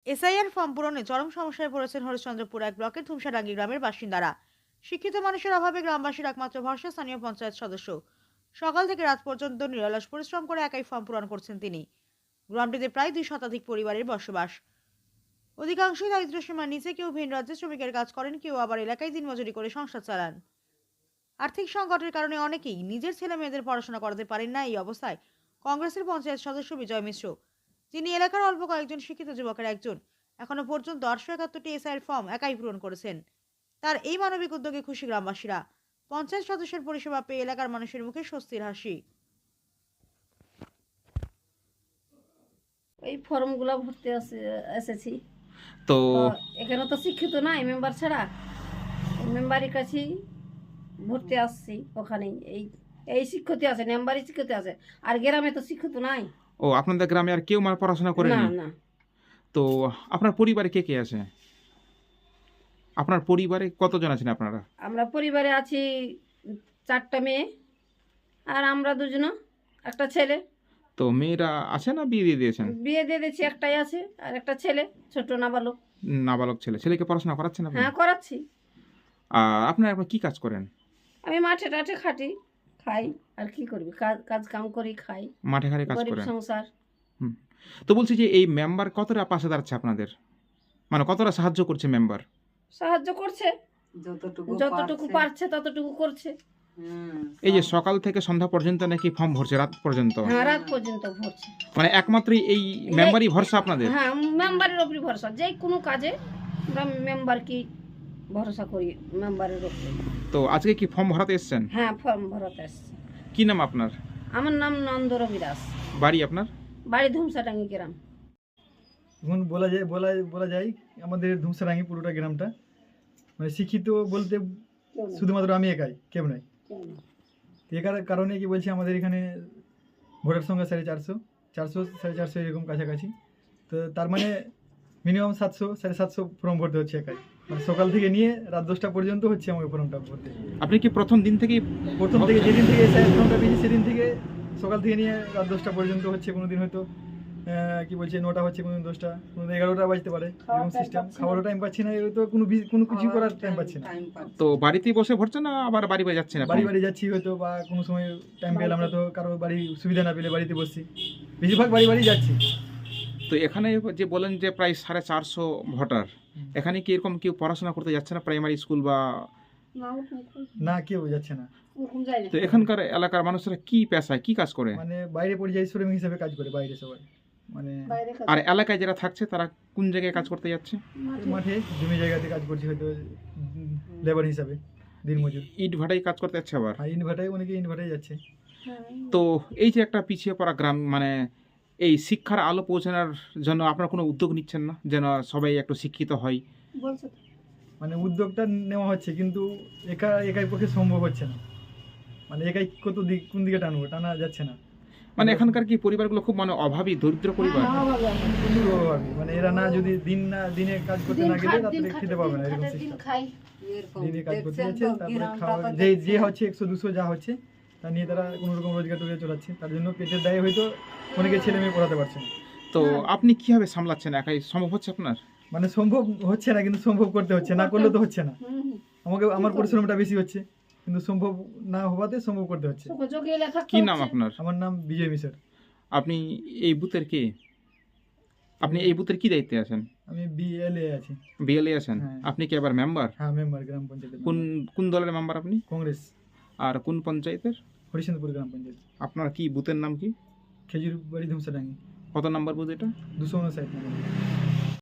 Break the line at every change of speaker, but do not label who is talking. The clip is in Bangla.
এসআইআর ফর্ম পূরণে চরম সমস্যায় পড়েছেন হরিশ্চন্দ্রপুর এক ব্লকের ধুমসাডাঙ্গি গ্রামের বাসিন্দারা। শিক্ষিত মানুষের অভাবে গ্রামবাসীর একমাত্র ভরসা স্থানীয় পঞ্চায়েত সদস্য। সকাল থেকে রাত পর্যন্ত নিরলস পরিশ্রম করে একাই ফর্ম পূরণ করছেন তিনি। গ্রামটিতে প্রায় 2 শতাধিক পরিবারের বসবাস। অধিকাংশই দারিদ্র্য সীমার নিচে, কেউ ভিন রাজ্যে শ্রমিকের কাজ করেন, কেউ আবার এলাকায় দিনমজুরি করে সংসার চালান। আর্থিক সংকটের কারণে অনেকেই নিজের ছেলে মেয়েদের পড়াশোনা করাতে পারেন না। এই অবস্থায় কংগ্রেসের পঞ্চায়েত সদস্য বিজয় মিশ্র, যিনি এলাকার অল্প কয়েকজন শিক্ষিত যুবকের একজন, এখনো পর্যন্ত 871টি এসআইয়ের ফর্ম একাই পূরণ করেছেন। তার এই মানবিক উদ্যোগে খুশি গ্রামবাসীরা। পঞ্চায়েত সদস্যের পরিষেবা পেয়ে এলাকার মানুষের মুখে স্বস্তির হাসি।
এই ফর্মগুলো ভরতে এসেছি
তো
তো এখানে তো শিক্ষিত নাই মেম্বার ছাড়া, মেম্বারের কাছেই ভরতে আসছি। ওখানেই এই এই শিক্ষিত আছে, মেম্বারই শিক্ষিত আছে, আর গ্রামে তো শিক্ষিত নাই।
আপনাদের গ্রামে আর কেউ পড়াশোনা
না
করেনি?
না,
তো আপনার পরিবারে কে কে আছে? আপনার পরিবারে কতজন আছেন আপনারা?
আমরা পরিবারে আছি 4টা মেয়ে আর আমরা দুজন, একটা ছেলে।
তো মেয়েরা আছে না বিয়ে দিয়ে দিয়েছেন?
বিয়ে দিয়ে দিয়েছি, একটাই আছে আর একটা ছেলে, ছোট নাবালক।
নাবালক ছেলে। ছেলেকে পড়াশোনা করাচ্ছেন আপনি?
হ্যাঁ করাচ্ছি।
আপনারা কি কাজ করেন?
আমি মাঠে টাঠে খাটি, খাই, আর কি করবি, কাজ কাজ কাম করি খাই,
মাঠে ঘাটে কাজ
গরিব
করেন?
সংসার।
হুম। তো বলছি যে এই মেম্বার কতটা পাশে দাঁড়াচ্ছে আপনাদের, কতটা সাহায্য করছে মেম্বার?
সাহায্য করছে, যতটুকু পারছে ততটুকু করছে।
এই যে সকাল থেকে সন্ধ্যা পর্যন্ত নাকি ফর্ম ভরছে, রাত পর্যন্ত?
হ্যাঁ রাত পর্যন্ত ভরছে।
একমাত্রই এই মেম্বারই ভরসা আপনাদের?
হ্যাঁ মেম্বারের উপরে ভরসা, যে কোনো কাজে আমরা মেম্বারকে ভরসা করি, মেম্বারের উপরে।
তো আজকে কি ফর্ম ভরাতে এসেছেন?
হ্যাঁ ফর্ম ভরাতে আসছে।
কি নাম আপনার?
আমার নাম নন্দ রবি দাস,
বাড়ি আপনার?
বাড়ি ধুমসাডাঙ্গি গ্রাম।
এখন বলা যায় আমাদের ধুমসাডাঙ্গি পুরোটা গ্রামটা শিক্ষিত বলতে শুধুমাত্র আমি একাই, কেউ নাই। এর কারণে কি বলছি, আমাদের এখানে ভোটার সংখ্যা 450 এরকম কাছাকাছি। তো তার মানে মিনিমাম 700-750 ফর্ম ভরতে হচ্ছে একাই। সকাল থেকে নিয়ে রাত 10টা পর্যন্ত হচ্ছে আমাকে ফর্মটা ভরতে।
আপনি কি প্রথম দিন থেকেই?
যেদিন থেকে ফর্মটা পেয়েছি সেদিন থেকে সকাল থেকে নিয়ে রাত 10টা পর্যন্ত হচ্ছে। কোনোদিন হয়তো কি বলছে 9টা হচ্ছে, কোনোদিন 10টা, কোনোদিন 11টা বাজতে পারে, এরকম সিস্টেম। খাওয়ারও টাইম পাচ্ছি না, তো কোনো কিছু করার টাইম পাচ্ছি না।
তো বাড়িতেই বসে ভরছেন না আবার বাড়ি বাড়ি যাচ্ছেন?
বাড়ি যাচ্ছি হয়তো, বা কোনো সময় টাইম পেলে আমরা তো কারো বাড়ি সুবিধা না পেলে বাড়িতে বসছি, বেশিরভাগ বাড়ি যাচ্ছি।
তো এখানে যে বলেন যে প্রায় 450 ভোটার, এখানে কি এরকম কেউ পড়াশোনা করতে যাচ্ছে না, প্রাইমারি স্কুল বা?
না, কেউ যাচ্ছে না।
তো এখানকার এলাকার মানুষরা কি পেশায় কি কাজ করে?
বাইরে পরিযায়ী শ্রমিক হিসেবে কাজ করে, বাইরে সবাই।
আর এলাকায় যারা থাকছে তারা কোন জায়গায় কাজ করতে যাচ্ছে?
মাঠে জমি জায়গাতে কাজ করছে, হয়তো লেবার হিসাবে, দিনমজুর।
ইট ভাটায় কাজ করতে যাচ্ছে আবার?
অনেকে ইট ভাটায় যাচ্ছে।
তো এই যে একটা পিছিয়ে পড়া গ্রাম, এই শিক্ষার আলো পৌঁছানোর জন্য আপনারা কোনো উদ্যোগ নিচ্ছেন না, যেন সবাই একটু শিক্ষিত হয়?
উদ্যোগটা নেওয়া হচ্ছে, কিন্তু একাই পক্ষে সম্ভব হচ্ছে না। একাই কোন দিকে টানা যাচ্ছে না।
এখানকার কি পরিবারগুলো খুব অভাবী, দরিদ্র পরিবার?
অভাবী, এরা না যদি দিনে কাজ করতে না গেলে রাত্রে খেতে পাবে না, এরকম সিস্টেম। দিনে কাজ করতে যাচ্ছে, তারপরে খাওয়া যে হচ্ছে 100-200 যা হচ্ছে তা নিয়ে তারা কোনো রকম রোজগার টোজগার চালাচ্ছে। তার জন্য পেটের দায়ে হয়তো অনেকে ছেলে মেয়ে পড়াতে পারছে না।
তো আপনি কিভাবে সামলাচ্ছেন? একাই সম্ভব হচ্ছে আপনার?
সম্ভব হচ্ছে না, কিন্তু সম্ভব করতে হচ্ছে, না করলে তো হচ্ছে না। আমার পরিশ্রমটা বেশি হচ্ছে, কিন্তু সম্ভব না হওয়াতে সম্ভব করতে হচ্ছে।
কি নাম আপনার?
আমার নাম বিজয় মিশ্র।
আপনি এই বুথের কে? আপনি এই বুথের কি দায়িত্বে আছেন?
আমি বিএলএ আছি।
বিএলএ আছেন?
হ্যাঁ।
আপনি কি আবার মেম্বার?
হ্যাঁ, মেম্বার, গ্রাম পঞ্চায়েতের।
কোন দলের মেম্বার আপনি?
কংগ্রেস।
আর কোন পঞ্চায়েতের?
হরিশ্চন্দ্রপুর গ্রাম পঞ্চায়েত।
আপনার কি বুথের নাম কি?
খেজুর বাড়ি ধুমসাডাঙ্গি।
কত নম্বর বুথ এটা?
259 নম্বর।